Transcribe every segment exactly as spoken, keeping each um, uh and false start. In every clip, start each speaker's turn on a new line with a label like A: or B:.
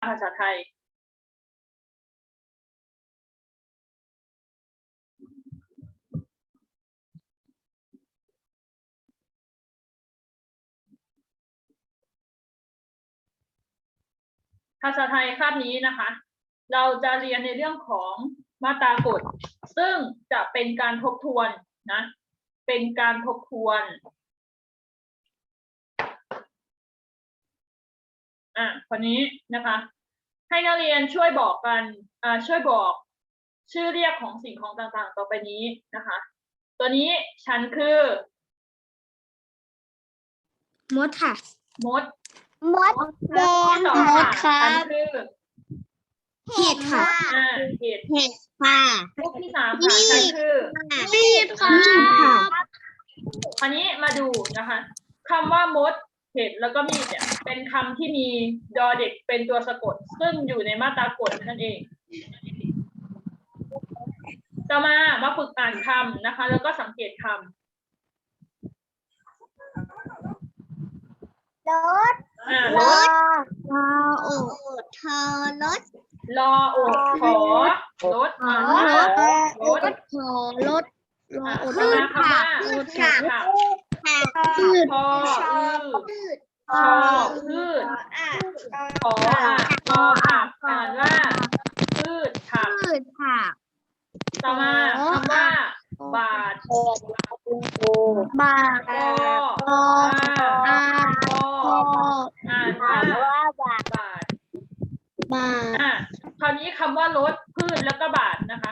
A: ภาษาไทยภาษาไทยคาบนี้นะคะ เราจะเรียนในเรื่องของมาตรากฎซึ่งจะเป็นการทบทวนนะเป็นการทบทวนอ่ะคนนี้นะคะให้นักเรียนช่วยบอกกันอ่าช่วยบอกชื่อเรียกของสิ่งของต่างๆต่อไปนี้นะคะตัวนี้ฉันคือ
B: มดค่ะ
A: มด
C: มดแดง
A: ต่อ
B: มด
A: ค่ะ
B: ครับ
A: ฉันคือ
B: เห็ดค่ะ
A: อ่าเห็ด
B: เห็ดค่ะ
A: รูปที่สามค่ะฉันคือ
B: มีดค่ะ
A: คราวนี้มาดูนะคะคำว่ามดเห็ดแล้วก็มีดเนี่ยเป็นคำที่มีดอเด็กเป็นตัวสะกดซึ่งอยู่ในมาตรากฎนั่นเองต่อมามาฝึกอ่านคำนะคะ แล้วก็สังเกตคำ
C: รถ
A: อ่าร
C: ถ
B: รอโอทอรถ
A: รอโอดขอรถอ่านว่าร
B: ร
A: ถ
B: ถขอรถรอ
A: อ่ะ
B: โอ
A: ต่อมาคำว่า
B: พืช
A: ค่ะ
B: ค่ะ
A: ค่ะ
B: พืช
A: พออืดชอพืชขออ่ะพอผักอ่านว่าพืชผัก
B: พืชค่ะ
A: ต่อมาคำว่า บาท
B: บา
A: พอ
B: ออา
A: พอ
B: พอ
A: อ่านว่า
C: ว่าบาท
A: บาท
B: บา
A: อ่ะคราวนี้คำว่ารถพืชแล้วก็บาทนะคะ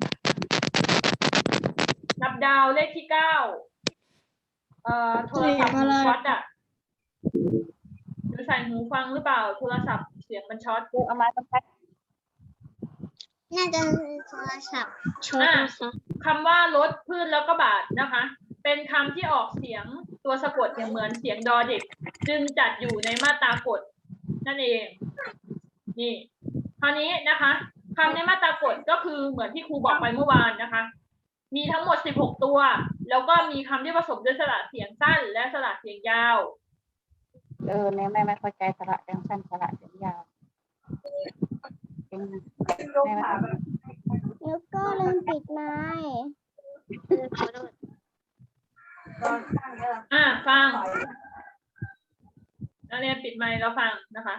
A: นับดาวเลขที่เก้าเอ่อโทรศัพท์มันช็อตอ่ะหรือใส่หูฟังหรือเปล่าโทรศัพท์เสียงมันช็อต
C: เอามาต้องพัด
B: น่าจะโทรศัพท์ช็อต
A: อ่ะ
B: นะคะ
A: คำว่ารถพืชแล้วก็บาทนะคะ เป็นคำที่ออกเสียงตัวสะกดเนี่ยเหมือนเสียงดอเด็ก จึงจัดอยู่ในมาตรากฎนั่นเองนี่คราวนี้นะคะคำในมาตรากฎก็คือเหมือนที่ครูบอกไปเมื่อวานนะคะ มีทั้งหมดสิบหกตัว แล้วก็มีคำที่ผสมด้วยสระเสียงสั้นและสระเสียงยาว
D: เออเนี่ยแม่ไม่เข้าใจสระเสียงสั้นสระเสียงยาวเป็นไงแม่ไม่เข้าใจ
C: แล้วก็ลืมปิดไม้
A: อ่ะฟังนักเรียนปิดไมค์แล้วฟังนะคะ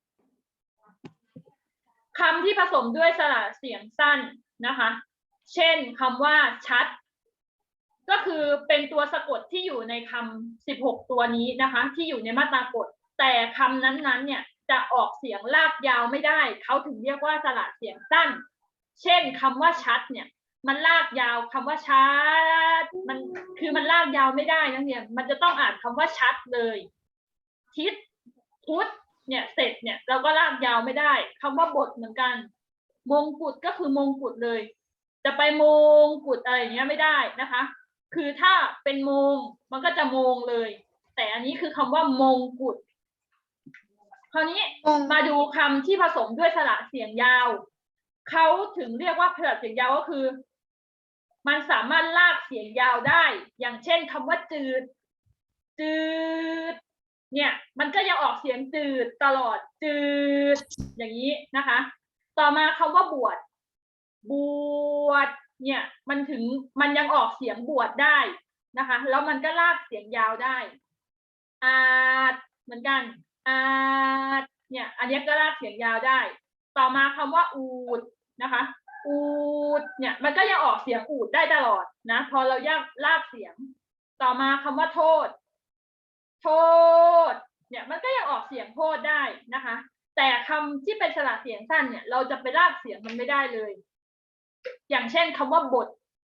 A: คำที่ผสมด้วยสระเสียงสั้นนะคะ เช่นคำว่าชัด ก็คือเป็นตัวสะกดที่อยู่ในคำสิบหกตัวนี้นะคะ ที่อยู่ในมาตรากฎแต่คำนั้นๆเนี่ยจะออกเสียงลากยาวไม่ได้เขาถึงเรียกว่าสระเสียงสั้น เช่นคำว่าชัดเนี่ยมันลากยาวคำว่าชัดมันคือมันลากยาวไม่ได้นะเนี่ยมันจะต้องอ่านคำว่าชัดเลยทิศพุทธเนี่ยเสร็จเนี่ยเราก็ลากยาวไม่ได้คำว่าบทเหมือนกันมงกุฎก็คือมงกุฎเลย จะไปมงกุฎอะไรอย่างเงี้ยไม่ได้นะคะ คือถ้าเป็นมงมันก็จะมงเลย แต่อันนี้คือคำว่ามงกุฎคราวนี้มาดูคำที่ผสมด้วยสระเสียงยาวเขาถึงเรียกว่าสระเสียงยาวก็คือ มันสามารถลากเสียงยาวได้ อย่างเช่นคำว่าจืดจืดเนี่ยมันก็ยังออกเสียงจืดตลอดจืดอย่างนี้นะคะ ต่อมาคำว่าบวชบวชเนี่ยมันถึงมันยังออกเสียงบวชได้นะคะแล้วมันก็ลากเสียงยาวได้อาจเหมือนกันอาจเนี่ยอันนี้ก็ลากเสียงยาวได้ ต่อมาคำว่าอูดนะคะอูดเนี่ยมันก็ยังออกเสียงอูดได้ตลอดนะพอเรายากลากเสียงต่อมาคำว่าโทษโทษเนี่ยมันก็ยังออกเสียงโทษได้นะคะแต่คำที่เป็นสระเสียงสั้นเนี่ยเราจะไปลากเสียงมันไม่ได้เลยอย่างเช่นคำว่าบท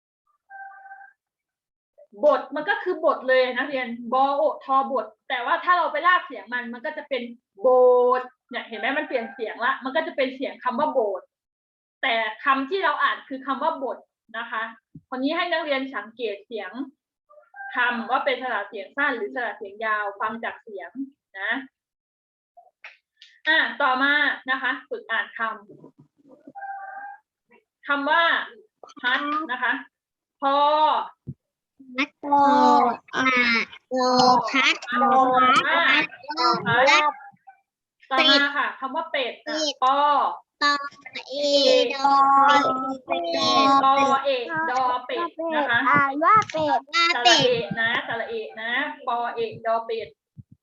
A: บทมันก็คือบทเลยนะเรียนบอโอทอบทแต่ว่าถ้าเราไปลากเสียงมันมันก็จะเป็นโบทเนี่ยเห็นไหมมันเปลี่ยนเสียงละมันก็จะเป็นเสียงคำว่าโบทแต่คำที่เราอ่านคือคำว่าบทนะคะคนนี้ให้นักเรียนสังเกตเสียงคำว่าเป็นสระเสียงสั้นหรือสระเสียงยาวฟังจากเสียงนะอ่ะต่อมานะคะฝึกอ่านคำคำว่าพัดนะคะพอ
B: นักโตอาโลพัด
A: โลพัด
B: พัด
A: พัดต่อมาค่ะคำว่าเป็ดอ่ะปอ
B: เอ
C: ดอเป็ด
A: ปอเอกดอเป็ดนะคะ
C: อ่านว่าเป็ด
B: ว่า
A: สระ
B: เป็ด
A: เอกนะสระเอกนะปอเอกดอเป็ด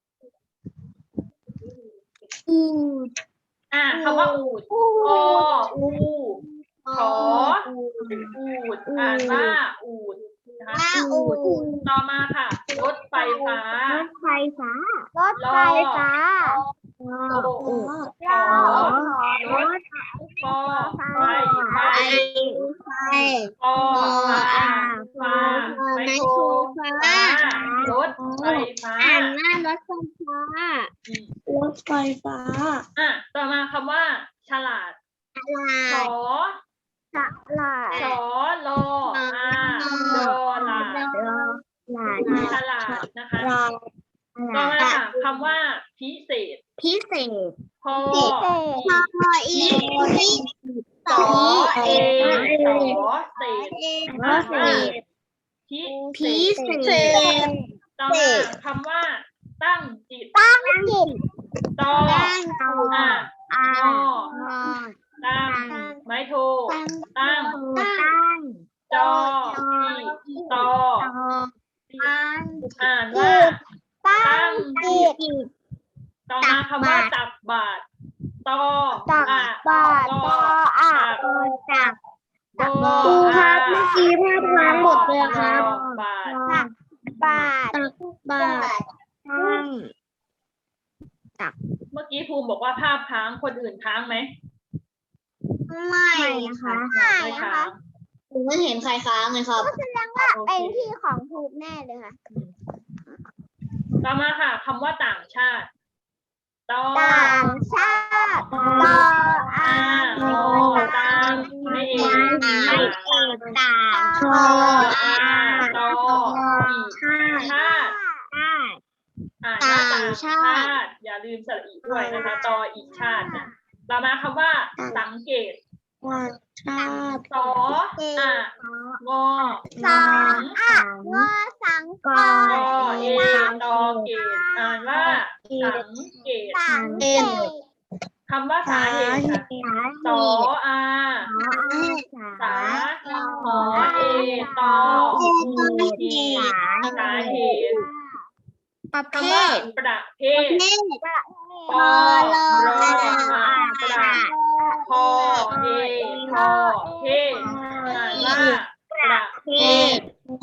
C: อูด
A: อ่ะคำว่าอูด
C: อู
A: อ
C: ด
A: อูขออูดอ่านว่าอูดนะคะ
B: ว่าอูด
A: ต่อมาค่ะรถไฟฟ้าร
C: ถไฟฟ้ารถไฟฟ้า
A: โออูขอรถปอไฟไฟ
B: ไฟ
A: ปอฟ้าฟ้าไมโครฟ้ารถไฟฟ้า
B: อ่านว่ารถไฟฟ้า
A: อืม
B: รถไฟฟ้า
A: อ่ะต่อมาคำว่า ฉลาด
B: ลา
A: สอ
C: สลา
A: สอลออาดอลา
C: หลาน
A: ฉลาดนะคะ
B: ลา
A: ต่อมาค่ะคำว่าพิเศษ
B: พิเศษ
A: พอ
C: พิเศษ
B: พออีก
A: สอเอสอเศษ
B: พิเศษ
A: พิ
B: พิเศษ
A: ต่อมาคำว่า ตั้งจิต
C: ตั้งจิต
A: ต่อ
B: ตั้ง
A: อ่ะ
C: อ่าง
A: อตั้งไม้โทตั้ง
C: ตั้ง
A: จออีต่อ
B: ตั้ง
A: อ่านว่า
C: ตั้งจิต
A: ต่อมาคำว่าตักบาตรต่อ
C: ตัก
A: อ่ะ
C: บาตรปออ่าง
B: จับ
A: โบ
B: ครูครั
A: อ่ะ
B: บเมื่อกี้ภาพค้างหมดเลยครับ
A: บาตร
C: ตักบาตร
B: ตักบาตรตั้ง
A: เมื่อกี้ภูมิบอกว่าภาพค้างคนอื่นค้างไหม
B: ไม่นะคะ
A: ไม่ค้าง
B: ผมไม่เห็นใครค้างเลยครับ
C: แสดงว่าเป็นที่ของภูมิแน่เลยค่ะ
A: ต่อมาค่ะคำว่าต่างชาติต่อ
C: ต่างชาติต่ออ่า
A: อ่าง อตามไม่เอก
B: ไม่เอกต่าง
A: ชออาต่ออีกชาติ
C: ชาติ
A: อ่านว่าต่างชาติ อย่าลืมสระอีด้วยนะคะต่ออีกชาตินะต่อมาคำว่า สังเกต
B: ว่าชาติ
A: สออ่ะงอ
C: สองอ่ะงอสังก
A: ก
C: ร
A: อเอตอเกตอ่านว่าสังเกต
C: สังเกต
A: คำว่าสาเหตุค่ะสออาสาหอเอตออีสาเหตุ
B: ประเภ
A: คำว่า
B: ท
A: ประเภท
B: เนต
A: ปอรออาประพอเอพอเพศอ่านว่าประเภท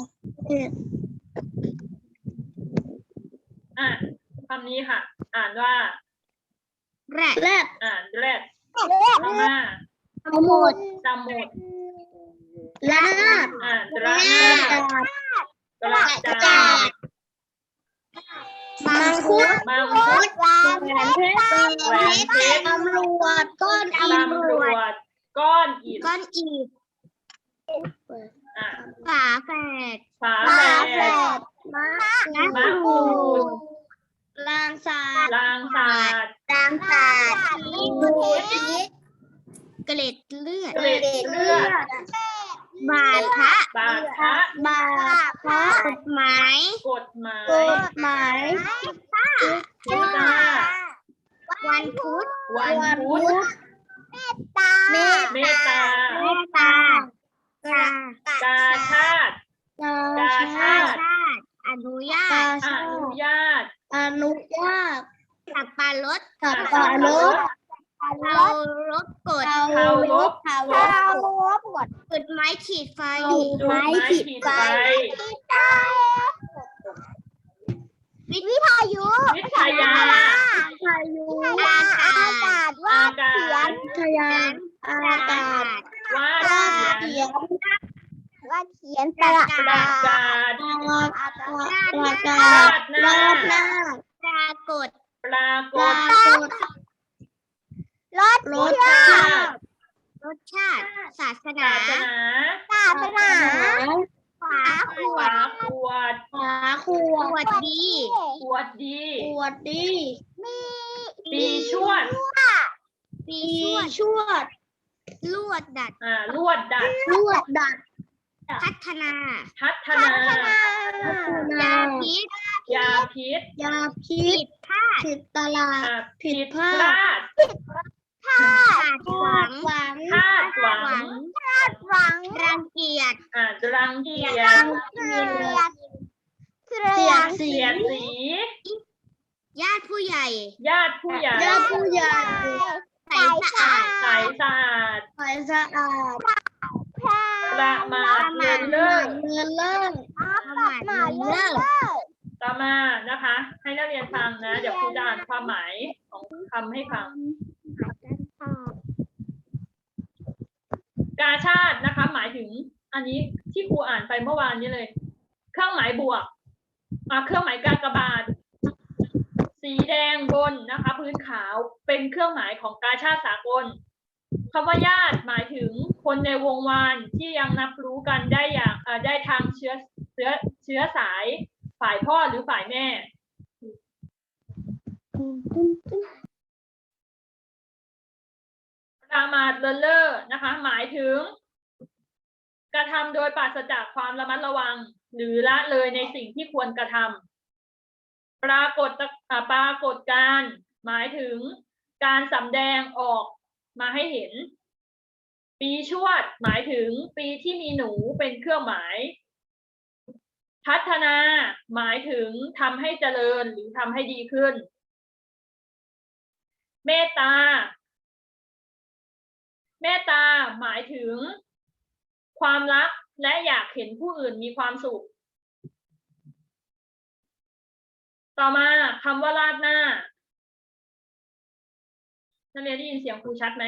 A: อ่ะคำนี้ค่ะ อ่านว่า
B: แรดแรด
A: อ่านแรด
C: เลือด
A: ต่อมา
B: สมุด
A: สมุด
B: ลาด
A: อ่านระนาดกระจาด
B: มังคุด
A: มังคุด
C: วางเพชร
A: แหวนเพชร
B: ตำรวจก้อนอิฐ
A: ตำรวจก้อนอิฐ
B: ก้อนอิฐ
A: อ่ะ
B: ฝาแฝด
A: ฝา
C: ฝา
A: แฝ
C: แฝ
A: ด
C: ดมะ
A: มะกรูด
B: ลางสาด
A: ลางสาด
B: ลางสาด
C: พีช
B: เกล็ดเลือด
A: เกล็ดเลือด
B: บาดพระ
A: บาดพระ
B: บาดพระกฎหมาย
A: กฎหมาย
B: กฎหมาย
A: พุทธา
B: วันพุธ
A: วันพุธ
C: ตา
B: เมต
A: เมตตา
B: เมตตากาก
A: าชาติ
B: กาชาติอนุญาต
A: อนุญาต
B: อนุญาตสับปะรด
A: สับปะรด
B: เคารพกฎ
A: เคารพ
B: เคาร
C: เรา
B: พ
C: ลบหมด
B: จุดไม้ขีดไฟ
A: จุดไม้ขีดไฟ
C: วิทยุ
A: วิทยา
B: พายุ
C: อากาศว่า
A: อากา
C: เขีย
A: ศ
C: น
B: ทยานอากาศ
A: วาดเขียน
C: ว่าเขียนตระ
A: ประ
C: ดาก
A: าศ
B: ประกา
A: รา
B: ศ
A: ดหน้า
B: ราดหน้าปรากฏ
A: ปราก
B: ปรา
A: ฏ
B: กฏ
C: รถ
A: ร
C: เชื่
A: ส
C: อ
A: ชาติ
B: รสชาติ ศาสนา
A: ศาสนา
C: ศาสนาฝาขว
A: ฝา
C: ด
A: ขวด
B: ฝาขวดขวดดี
A: ขวดดี
B: ขวดดี
C: มี
A: ปีชวด
B: ปีชวด ลวดดัด
A: อ่าลวดดัด
B: ลวดดัด พัฒนา
A: พัฒ
C: พั
A: นา
C: ฒนาย
B: าพิษ
A: ยาพิษ
B: ยาพิษผิดตลาด
A: อ่ะ
B: ผิ
A: ผิ
B: ด
A: ด
B: พลาด
A: พลาด
B: ขาดหวังหวัง
A: คาดหวัง
C: หวัง
B: รังเกียจ
A: อ่ะรังเกียจ
C: เกลียดเกลี
B: เสี
C: ย
B: ย
C: ด
B: ดสี
A: เสียดสี
B: ญาติผู้ใหญ่
A: ญาติผู้ใหญ่
B: ญาติผู้ใหญ่
C: ใสสะอาด
A: ใสสะอาด
B: ใสสะอาด
A: ประมาทเลินเล่อ
B: เงินเลิก
C: ประมาทเลิศ
A: ต่อมานะคะ ให้นักเรียนฟังนะ เดี๋ยวครูจะอ่านความหมายของคำให้ฟัง กาชาตินะคะ หมายถึง อันนี้ที่ครูอ่านไปเมื่อวานนี้เลย เครื่องหมายบวกอ่าเครื่องหมายกากบาท สีแดงบนนะคะ พื้นขาวเป็นเครื่องหมายของกาชาติสากลคำว่าญาติหมายถึงคนในวงวานที่ยังนับรู้กันได้อย่างเอ่อได้ทางเชื้อเชื้อเชื้อสายฝ่ายพ่อหรือฝ่ายแม่ ประมาทเลินเล่อนะคะ หมายถึง กระทำโดยปราศจากความระมัดระวัง หรือละเลยในสิ่งที่ควรกระทำปรากฏอ่าปรากฏการณ์หมายถึงการสำแดงออกมาให้เห็น ปีชวดหมายถึงปีที่มีหนูเป็นเครื่องหมาย พัฒนาหมายถึงทำให้เจริญหรือทำให้ดีขึ้น เมตตา เมตตาหมายถึง ความรักและอยากเห็นผู้อื่นมีความสุข ต่อมาคำว่าราดหน้านักเรียนได้ยินเสียงครูชัดไหม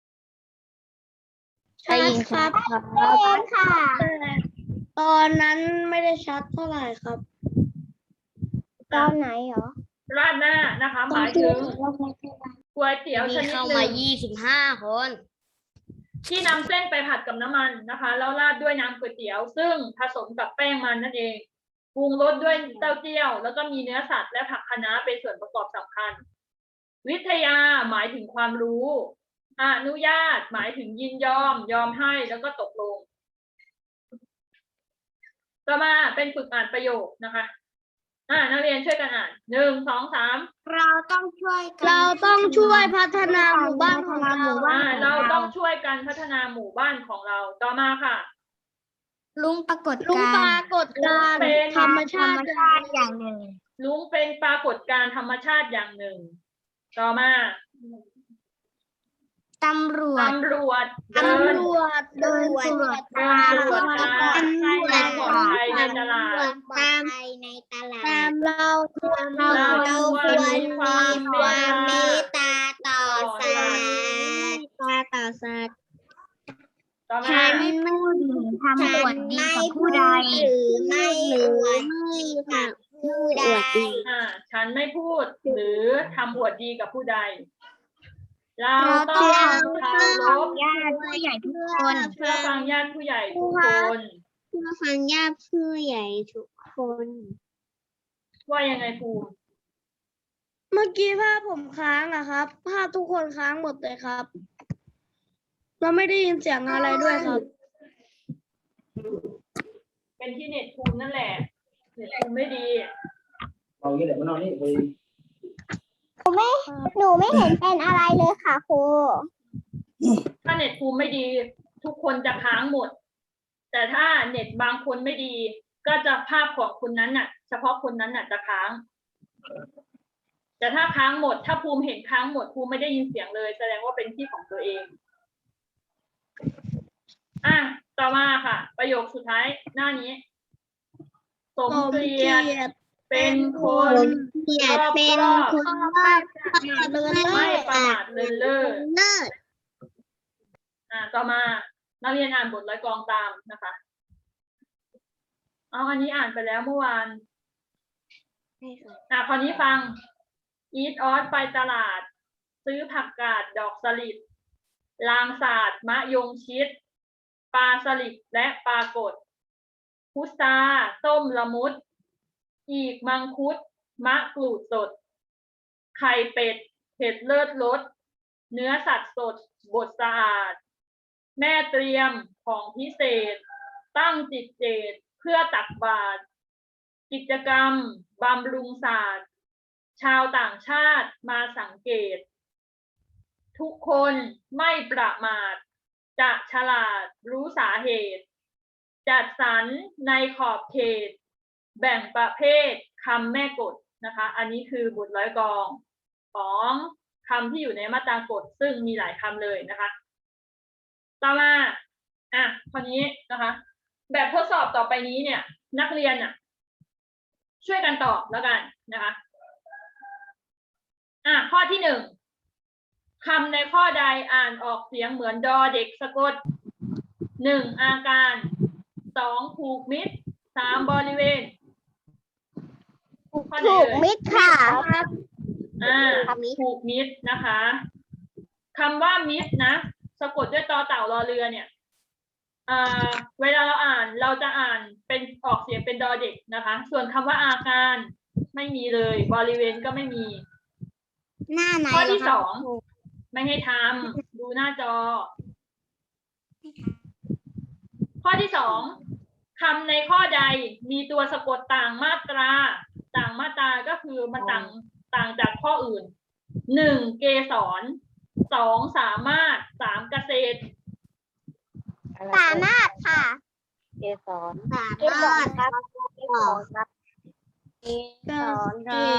B: ชัดครับ
C: เองค่ะ
B: ตอนนั้นไม่ได้ชัดเท่าไหร่ครับ
C: ตอนไหนเหรอ
A: ราดหน้านะคะ หมายถึงก๋วยเตี๋ยวชนิดหนึ่ง
B: ยี่สิบห้าคน
A: ที่นำเส้นไปผัดกับน้ำมันนะคะ แล้วราดด้วยน้ำก๋วยเตี๋ยว ซึ่งผสมกับแป้งมันนั่นเองปรุงรสด้วยเต้าเจี้ยว แล้วก็มีเนื้อสัตว์และผักคะน้าเป็นส่วนประกอบสำคัญ วิทยาหมายถึงความรู้อนุญาตหมายถึงยินยอม ยอมให้แล้วก็ตกลง ต่อมาเป็นฝึกอ่านประโยคนะคะอ่านักเรียนช่วยกันอ่านหนึ่งสองสาม
B: เราต้องช่วยกันเราต้องช่วยพัฒนาหมู่บ้านของเรา
A: อ่าเราต้องช่วยกันพัฒนาหมู่บ้านของเรา ต่อมาค่ะ
B: ลุงปรากฏการลุงปรากฏการณ์
A: เป็น
B: ธรรมชาติอย่างหนึ่ง
A: ลุงเป็นปรากฏการณ์ธรรมชาติอย่างหนึ่ง ต่อมา
B: ตำรวจ
A: ตำรวจเดิน
B: ตำรวจเดินตรวจตรา
A: เดินตรวจตรา
B: ตำรวจ
A: ความปลอดภัยในตลาด
B: ตามในตลาดตามเราควรเรา
A: เรา
B: ควร
A: ควรมี
B: มี
A: ความเมตตา
B: ตาต่อสัตว์ตาต่อสัตว์
A: ต่อมา
B: ฉันนู่นทำอวดดีกับผู้ใดหรือไม่อวดดีกับผู้ใด
A: อ่าฉันไม่พูดหรือทำอวดดีกับผู้ใด เรา
B: เรา
A: ต้
B: ต้
A: อ
B: อง ง
A: เคารพ
B: ญาติผู้ใหญ่ทุกคน
A: เพื่อฟังญาติผู้ใหญ่ทุกคน
B: เพื่อฟังญาติผู้ใหญ่ทุกคน
A: ว่ายังไงครู
B: เมื่อกี้ภาพผมค้างนะครับ ภาพทุกคนค้างหมดเลยครับ เราไม่ได้ยินเสียงอะไรด้วยครับ
A: เป็นที่เน็ตครูนั่นแหละ เน็ตครูไม่ดี
E: เอางี้เดี๋ยวมานอนนี่ไป
C: หนูไม่หนูไม่เห็นเป็นอะไรเลยค่ะครู
A: ถ้าเน็ตครูไม่ดี ทุกคนจะค้างหมด แต่ถ้าเน็ตบางคนไม่ดี ก็จะภาพของคนนั้นน่ะ เฉพาะคนนั้นน่ะจะค้าง แต่ถ้าค้างหมด ถ้าภูมิเห็นค้างหมดภูมิไม่ได้ยินเสียงเลย แสดงว่าเป็นที่ของตัวเองอ่ะต่อมาค่ะ ประโยคสุดท้ายหน้านี้ สมเกียรติเป็นคน
B: เกียรติเป็นคนรอบเลิศ
A: ไม่ประมาทเลินเล่อ
B: เลิศ
A: อ่าต่อมานักเรียนอ่านบทร้อยกรองตามนะคะเอาอันนี้อ่านไปแล้วเมื่อวานอ่าคราวนี้ฟัง อีทออสไปตลาด ซื้อผักกาดดอกสลิดลางสาดมะยงชิดปลาสลิดและปลากดพุทราส้มละมุดอีกมังคุดมะกรูดสดไข่เป็ดเผ็ดเลิศรสเนื้อสัตว์สดบดสะอาดแม่เตรียมของพิเศษ ตั้งจิตเจตเพื่อตักบาตรกิจกรรมบำรุงศาสตร์ ชาวต่างชาติมาสังเกต ทุกคนไม่ประมาทจะฉลาดรู้สาเหตุ จัดสรรในขอบเขต แบ่งประเภทคำแม่กฎนะคะ อันนี้คือบทร้อยกลองของคำที่อยู่ในมาตรากฎซึ่งมีหลายคำเลยนะคะ ต่อมาอ่ะคราวนี้นะคะ แบบทดสอบต่อไปนี้เนี่ย นักเรียนอ่ะ ช่วยกันตอบแล้วกันนะคะอ่ะข้อที่หนึ่งคำในข้อใดอ่านออกเสียงเหมือนดอเด็กสะกดหนึ่งอาการสองผูกมิตรสามบริเวณข้อไหน
C: ถูก
A: เอ่ย
C: มิดค่ะ
A: อ่า
C: คำนี้
A: ผูกมิตรนะคะคำว่ามิตรนะสะกดด้วยตอเต่ารอเรือเนี่ยอ่าเวลาเราอ่านเราจะอ่านเป็นออกเสียงเป็นดอเด็กนะคะ ส่วนคำว่าอาการไม่มีเลยบริเวณก็ไม่มี
C: หน้าไหน
A: ข้อที่
C: เหร
A: ส
C: คะ
A: องไม่ให้ทำดูหน้าจอ ข้อที่สองคำในข้อใดมีตัวสะกดต่างมาตรา ต่างมาตราก็คือมันต่างต่างจากข้ออื่นหนึ่งเกสรสองสามารถสามเกษตร
C: สามารถค่ะ
D: เกสร
C: สามารถครับเกสรครับเกสรครับ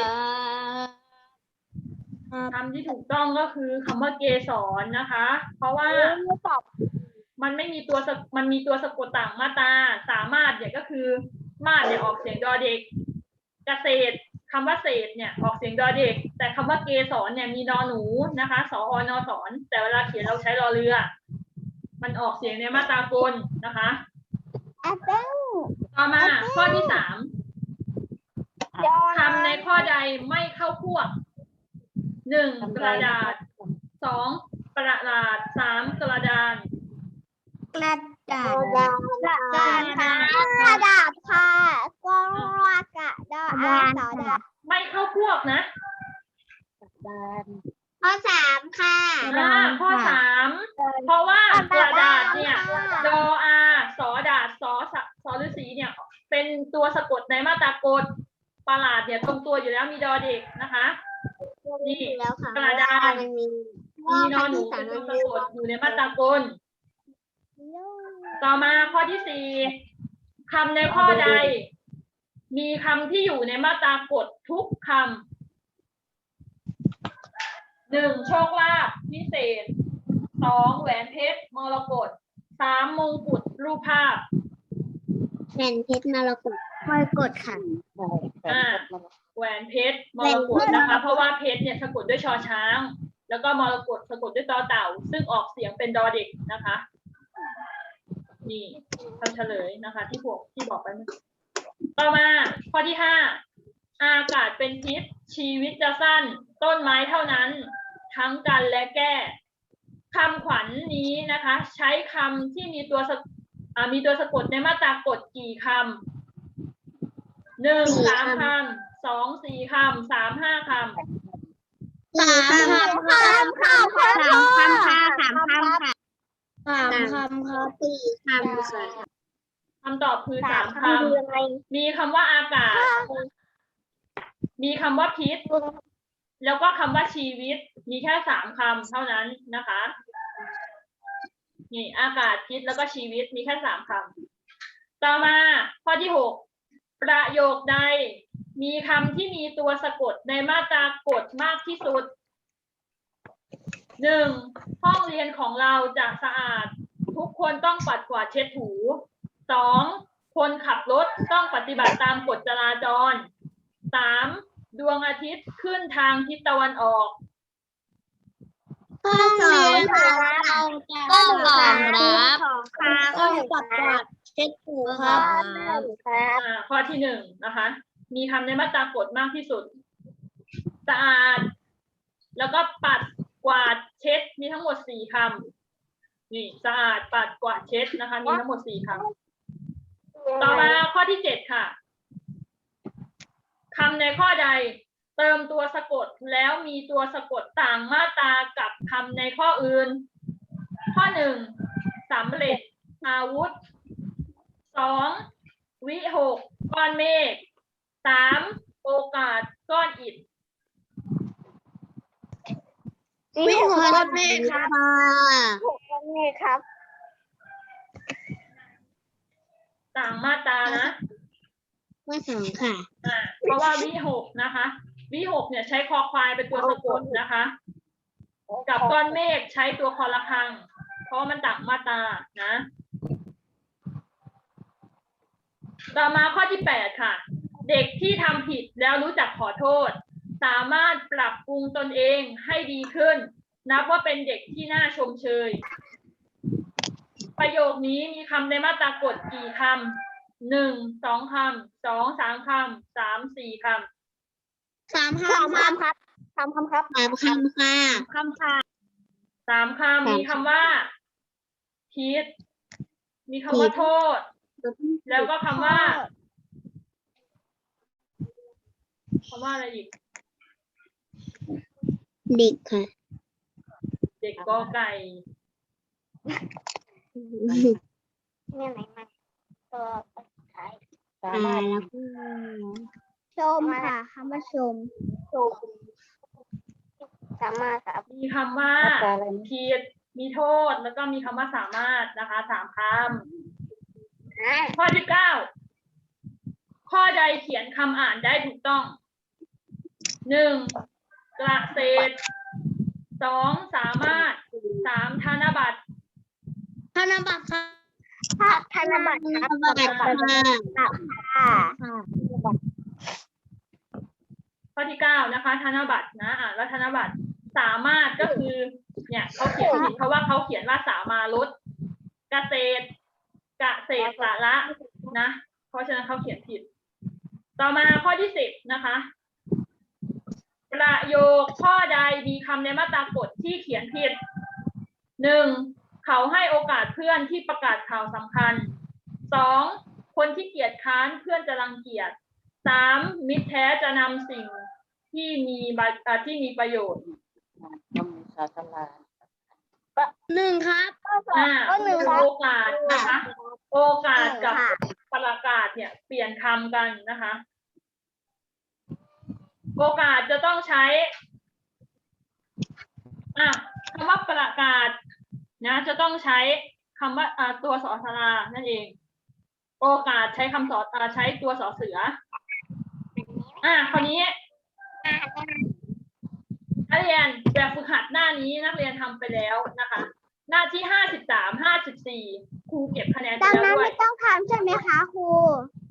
A: คำที่ถูกต้องก็คือคำว่าเกสรนะคะ เพราะว่ามันไม่มีตัวสะมันมีตัวสะกดต่างมาตรา สามารถเนี่ยก็คือมาดเนี่ยออกเสียงดอเด็ก เกษตรคำว่าเศษเนี่ยออกเสียงดอเด็ก แต่คำว่าเกสรเนี่ยมีนอหนูนะคะสออนอสอนแต่เวลาเขียนเราใช้รอเรือ มันออกเสียงในมาตรากลนะคะ
C: แอปเปิ้ล
A: ต่อมาข้อที่สามคำในข้อใดไม่เข้าพวกหนึ่งกระดาษสองกระดาษสามกระดาน
C: กระดาษกระดาษค่ะกระดาษค่ะกระกระดาษอาสอดา
A: ไม่เข้าพวกนะ
D: ดาน
C: ข้อสามค่ะ
A: อ่าข้อสามเพราะว่ากระดาษเนี่ยดออาสอดาษสอสะสอฤาษีเนี่ย เป็นตัวสะกดในมาตรากลประหลาดเนี่ยตรงตัวอยู่แล้วมีดอเด็กนะคะ นี่
C: แล้วค่ะ
A: กระดาษ
C: มันมี
A: มีนอหนูเป็นตัวสะกดอยู่ในมาตรากล ต่อมาข้อที่สี่คำในข้อใด มีคำที่อยู่ในมาตรากฎทุกคำหนึ่งโชคลาภพิเศษสองแหวนเพชรมรกตสามมงกุฎรูปภาพ
C: แผ่นเพชรมรกตค่อยกดค่ะ
D: ใช่แผ่นเพชรมัน
A: แหวนเพชรมรกตนะคะ เพราะว่าเพชรเนี่ยสะกดด้วยชอช้าง แล้วก็มรกตสะกดด้วยตอเต่า ซึ่งออกเสียงเป็นดอเด็กนะคะ นี่คำเฉลยนะคะ ที่พวกที่บอกไปเมื่อกี้ต่อมาข้อที่ห้าอากาศเป็นพิษชีวิตจะสั้น ต้นไม้เท่านั้น ทั้งกันและแก้คำขวัญนี้นะคะ ใช้คำที่มีตัวสะอ่ามีตัวสะกดในมาตรากฎกี่คำหนึ่งสามคำสองสี่คำสามห้าคำ
C: สามคำค่ะสามคำค่ะสามคำค่ะสามคำค่ะสามคำค่ะสี่คำค่ะ
A: คำตอบคือสามคำมีคำว่าอากาศ มีคำว่าพิษ แล้วก็คำว่าชีวิต มีแค่สามคำเท่านั้นนะคะ นี่อากาศพิษแล้วก็ชีวิตมีแค่สามคำต่อมาข้อที่หกประโยคใด มีคำที่มีตัวสะกดในมาตรากฎมากที่สุดหนึ่งห้องเรียนของเราจะสะอาด ทุกคนต้องปัดกวาดเช็ดถูสองคนขับรถต้องปฏิบัติตามกฎจราจรสามดวงอาทิตย์ขึ้นทางทิศตะวันออก
C: ห้องเรียนของเราต้องรองรับต้องปัดกวาดเช็ดถูครับ
A: อ่าข้อที่หนึ่งนะคะ มีคำในมาตรากฎมากที่สุด สะอาด แล้วก็ปัดกวาดเช็ดมีทั้งหมดสี่คำนี่สะอาดปัดกวาดเช็ดนะคะ มีทั้งหมดสี่คำต่อมาข้อที่เจ็ดค่ะคำในข้อใด เติมตัวสะกดแล้วมีตัวสะกดต่างมาตรากับคำในข้ออื่น ข้อหนึ่งสำเร็จอาวุธสองวิหกก้อนเมฆสามโอกาสก้อนอิฐ
B: วิหกก้อนเมฆครับ
C: หกก้อนเมฆครับ
A: ต่างมาตรานะ
C: ข้อสองค่ะ
A: อ่าเพราะว่าวิหกนะคะ วิหกเนี่ยใช้คอควายเป็นตัวสะกดนะคะ กับก้อนเมฆใช้ตัวคอระฆัง เพราะมันต่างมาตรานะ ต่อมาข้อที่แปดค่ะ เด็กที่ทำผิดแล้วรู้จักขอโทษ สามารถปรับปรุงตนเองให้ดีขึ้น นับว่าเป็นเด็กที่น่าชมเชย ประโยคนี้มีคำในมาตรากฎกี่คำหนึ่งสองคำสองสามคำสามสี่ค
B: สาม
C: สาม
B: คำครับ
C: คำครับสามคำครับสามคำค่ะคำค่ะ
A: ำสามคำมีคำว่าผิดมีคำว่าโทษ แล้วก็คำว่าคำว่าอะไรอีก
C: เด็กค่ะ
A: เด็กกอไก่
C: เนี่ยไหนมาตัวสุดท้าย
D: สามารถ
C: ชมค่ะคำว่าชมชมสามารถครับ
A: มีคำว่า
D: มาตราอะไรนะ
A: ผิดมีโทษ แล้วก็มีคำว่าสามารถนะคะสามคำข้อที่เก้าข้อใดเขียนคำอ่านได้ถูกต้องหนึ่งเกษตรสองสามารถสามธนบัตร
B: ธนบัตรครับ
C: ถ้าธนบัตรครับ
B: ธนบัตรค่ะ
C: ค่ะ
A: ข้อที่เก้านะคะ ธนบัตรนะอ่านว่าธนบัตรสามารถก็คือ เนี่ยเขาเขียนผิดเพราะว่าเขาเขียนว่าสามารถเกษตรเกษตรสาระนะ เพราะฉะนั้นเขาเขียนผิด ต่อมาข้อที่สิบนะคะ ประโยคข้อใดมีคำในมาตรากฎที่เขียนผิดหนึ่งเขาให้โอกาสเพื่อนที่ประกาศข่าวสำคัญสองคนที่เกียจค้านเพื่อนจะรังเกียจสามมิตรแท้จะนำสิ่งที่มีบะเอ่อที่มีประโยชน์
D: ต้องมีศาสนา
B: หนึ่งครับ
A: อ่า
C: ก็หนึ่งครับ
A: โอกาสนะคะ โอกาสกับ
C: ค่ะ
A: ประกาศเนี่ยเปลี่ยนคำกันนะคะ โอกาสจะต้องใช้อ่ะคำว่าประกาศนะจะต้องใช้คำว่าอ่าตัวสอสลานั่นเอง โอกาสใช้คำสออ่าใช้ตัวสอเสือ อ่ะคราวนี้นักเรียนแบบฝึกหัดหน้านี้นักเรียนทำไปแล้วนะคะ หน้าที่ห้าสิบสาม ห้าสิบสี่ครูเก็บคะแนนไป
C: ดัง
A: แล้ว
C: นั้น
A: ด้วย
C: ไม่ต้องทำใช่ไหมคะครู